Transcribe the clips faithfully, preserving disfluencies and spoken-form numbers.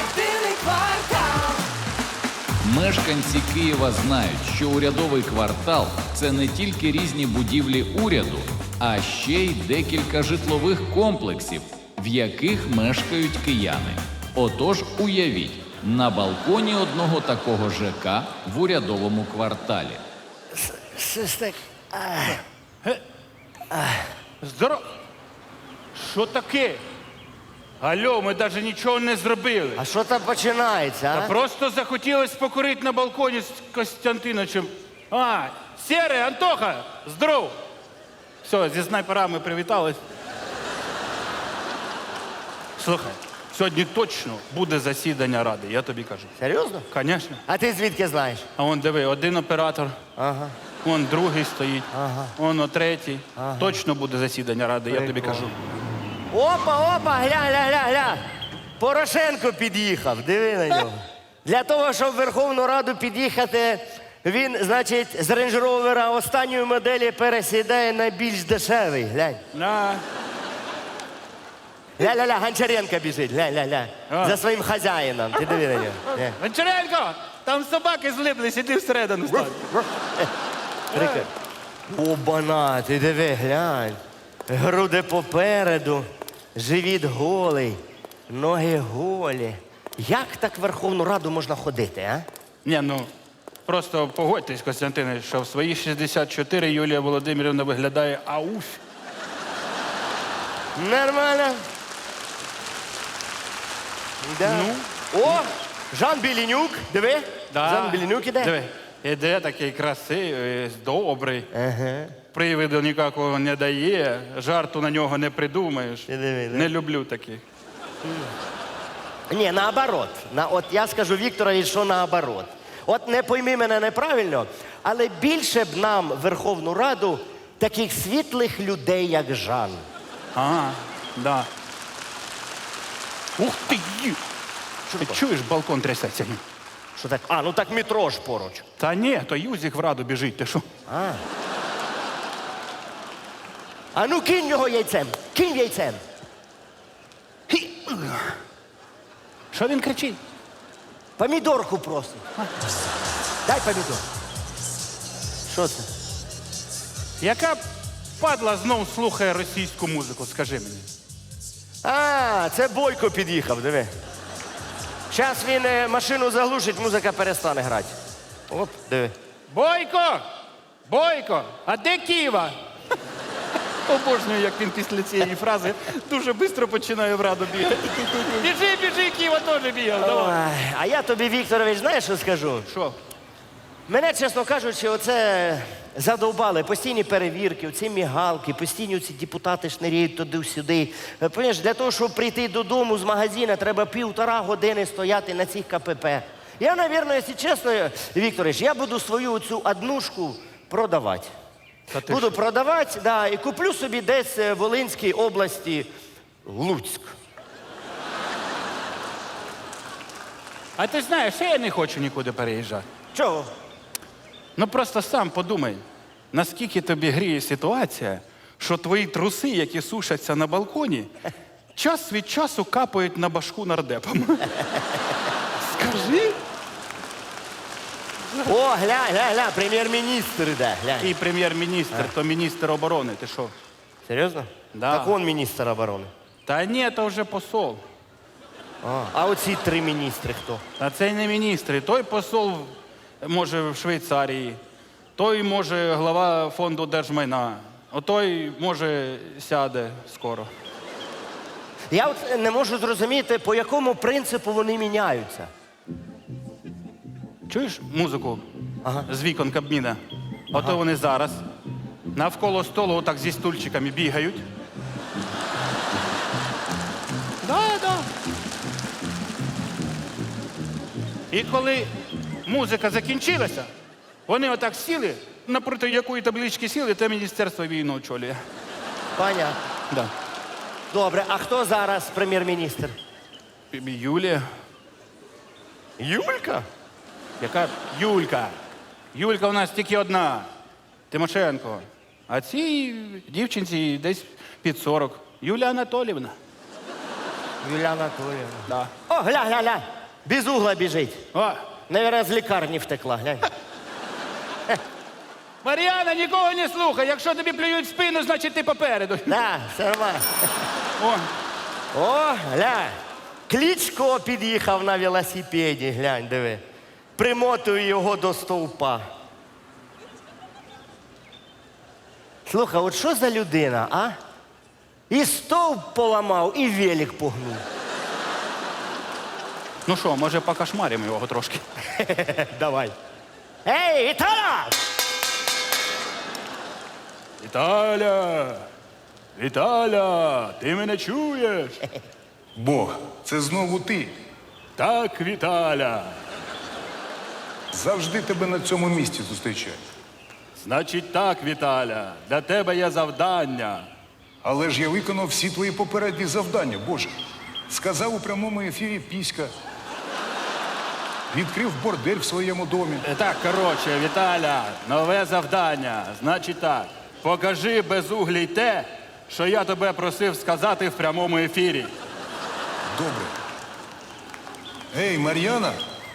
Єдиний квартал. Мешканці Києва знають, що урядовий квартал – це не тільки різні будівлі уряду, а ще й декілька житлових комплексів, в яких мешкають кияни. Отож, уявіть, на балконі одного такого ЖК в урядовому кварталі. Щось так. Здоров... Що таке? Алло, ми навіть нічого не зробили. А що там починається, а? Просто захотілося покурити на балконі з Костянтиновичем. А, Серий, Антоха, здоров! Все, зі снайперами привітались. Слухай, сьогодні точно буде засідання ради, я тобі кажу. Серйозно? Звісно. А ти звідки знаєш? А вон диви, один оператор, Ага. вон другий стоїть, Ага. вон о третій. Точно буде засідання ради, я тобі Прикольно. кажу. Опа, опа, гля, гля, гля, гля. Порошенко під'їхав, диви на нього. Для того, щоб в Верховну Раду під'їхати, він, значить, з рейндж-ровера останньої моделі пересідає на більш дешевий. Глянь. На. Ля-ля-ля, Гончаренко біжить, ля-ля-ля. А. За своїм хазяїном. Ти диви на нього. Ля. Гончаренко, там собаки злиплись, іди всередину стань. Прикольно. Обана, ти диви, глянь. Груди попереду, живіт голий, ноги голі. Як так в Верховну Раду можна ходити, а? Ні, ну, просто погодьтесь, Костянтине, що в свої шістдесят чотири Юлія Володимирівна виглядає ауф. Нормально. Да. Ну? О, Жан Білінюк, диви. Да. Жан Білінюк іде. Диви, іде такий красивий, добрий. Ага. Привиду ніякого не дає, жарту на нього не придумаєш. Ти диви, да? Не люблю таких. Ні, наоборот. На, от я скажу Вікторові, що наоборот. От не пойми мене неправильно, але більше б нам в Верховну Раду таких світлих людей, як Жан. Ага, да. Ух ти! Що Ти таке? чуєш, балкон трясеться? Що так? А, ну так метро ж поруч. Та ні, то Юзік в Раду біжить, ти що? А. А ну кинь його яйцем. Кинь яйцем. Що він кричить? Помідорку просить. Дай помідор. Що це? Яка падла знов слухає російську музику, скажи мені? А, це Бойко під'їхав, диви. Зараз він е, машину заглушить, музика перестане грати. Оп, диви. Бойко! Бойко! А де Ківа? Обожнюю, як він після цієї фрази дуже швидко починає в Раду бігати. Біжи, біжи, Ківа теж бігав. Давай. Ой, а я тобі, Вікторович, знаєш, що скажу? Що? Мене, чесно кажучи, оце задовбали. Постійні перевірки, оці мігалки, постійні ці депутати шниряють туди-сюди. Е, Понимаєш, для того, щоб прийти додому з магазину, треба півтора години стояти на цих КПП. Я, мабуть, якщо чесно, Вікторович, я буду свою цю однушку продавати. Та ти Буду що? продавати, да, і куплю собі десь в Волинській області Луцьк. А ти знаєш, я не хочу нікуди переїжджати. Чого? Ну просто сам подумай, наскільки тобі гріє ситуація, що твої труси, які сушаться на балконі, час від часу капають на башку нардепам. Скажи. О, глянь, глянь, глянь, прем'єр-міністр іде, глянь. І прем'єр-міністр, то міністр оборони, ти що? Серйозно? Да. Так он міністр оборони. Та ні, то вже посол. А, а оці три міністри хто? А це не міністри. Той посол може в Швейцарії, той може глава фонду держмайна, а той може сяде скоро. Я от не можу зрозуміти, по якому принципу вони міняються. Чуєш музику Ага. з вікон Кабміна? Ото вони зараз навколо столу отак зі стульчиками бігають. Да, да. І коли музика закінчилася, вони отак сіли, напроти якої таблички сіли, те міністерство війну очолює. Понятно. Да. Добре, а хто зараз прем'єр-міністр? Юлія. Юлька? Яка Юлька? Юлька у нас тільки одна. Тимошенко. А цій дівчинці десь під сорок. Юлія Анатоліївна. Юлія Анатоліївна. Да. О, глянь, глянь, глянь. Без угла біжить. О, Наверное, з лікарні втекла, глянь. Мар'яна, нікого не слухай. Якщо тобі плюють в спину, значить ти попереду. Да, все нормально. О, О, глянь. Кличко під'їхав на велосипеді, глянь, диви. Примотую його до стовпа. Слухай, от що за людина, а? І стовп поламав, і велик погнув. ну що, може покошмаримо його трошки? Давай. Ей, Віталя! Віталя! Віталя! Ти мене чуєш? Бог, це знову ти. Так, Віталя. Завжди тебе на цьому місці зустрічаю. Значить так, Віталя, для тебе є завдання. Але ж я виконав всі твої попередні завдання, Боже. Сказав у прямому ефірі піська. Відкрив бордель в своєму домі. Е, Так, коротше, Віталя, нове завдання. Значить так, покажи безуглій те, що я тебе просив сказати в прямому ефірі. Добре. Ей, Мар'яна,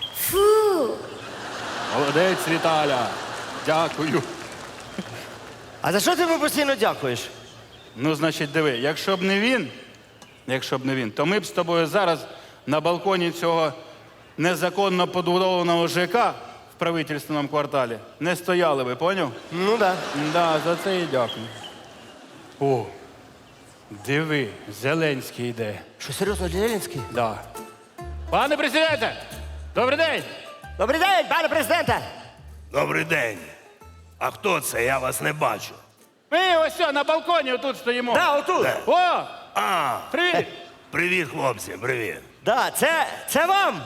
Молодець, Віталя. Дякую. А за що ти йому постійно дякуєш? Ну, значить, диви, якщо б не він, якщо б не він, то ми б з тобою зараз на балконі цього незаконно побудованого ЖК в правительственному кварталі не стояли би, поняв? Ну да. Да, за це і дякую. О, диви, Зеленський йде. Що, серйозно, Зеленський? Да. Пане президенте, добрий день! Добрий день, пане президенте! Добрий день. А хто це? Я вас не бачу. Ми ось сьо, на балконі отут стоїмо. Да, отут. Де? О, А, привіт! привіт, хлопці, привіт. Да, це, це вам.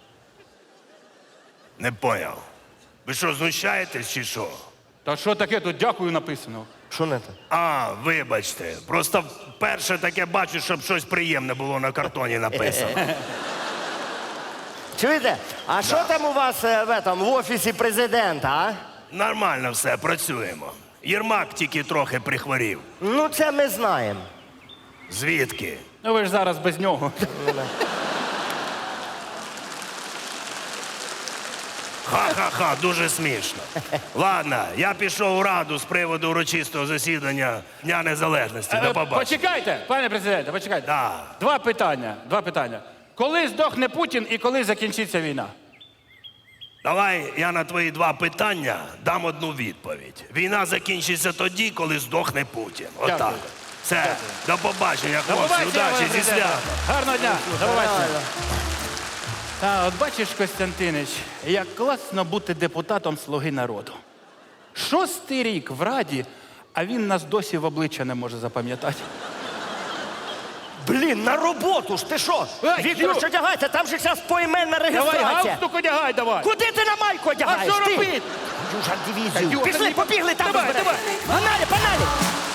Не поняв. Ви що, знущаєтесь чи що? Та що таке тут дякую написано? Що не так? А, вибачте. Просто вперше таке бачу, щоб щось приємне було на картоні написано. Чуєте? А що там у вас е, в, этом, в офісі президента, а? Нормально все, працюємо. Єрмак тільки трохи прихворів. Ну, це ми знаємо. Звідки? Ну ви ж зараз без нього. Ха-ха-ха, дуже смішно. Ладно, я пішов у раду з приводу урочистого засідання Дня Незалежності. До Е, побачення. Почекайте, пане президенте, почекайте. Да. Два питання, два питання. Коли здохне Путін і коли закінчиться війна? Давай я на твої два питання дам одну відповідь. Війна закінчиться тоді, коли здохне Путін. Отак. Дякую. Все, до побачення, До хлопці, побачення, пане удачі зі президенте. святом. Гарного дня, до побачення. Та, от бачиш, Костянтинич, як класно бути депутатом «Слуги народу». Шостий рік в Раді, а він нас досі в обличчя не може запам'ятати. Блін, на роботу ж ти що? Ай, Віктор, Ю! що одягайся, там же зараз поіменна Давай, реєстрація. галстук одягай, давай. Куди ти на майку одягаєш? А що ти? робити? Южар Та, дивізію. Юра, Пішли, не- побігли там Давай, розберемося. давай. Погнали, погнали.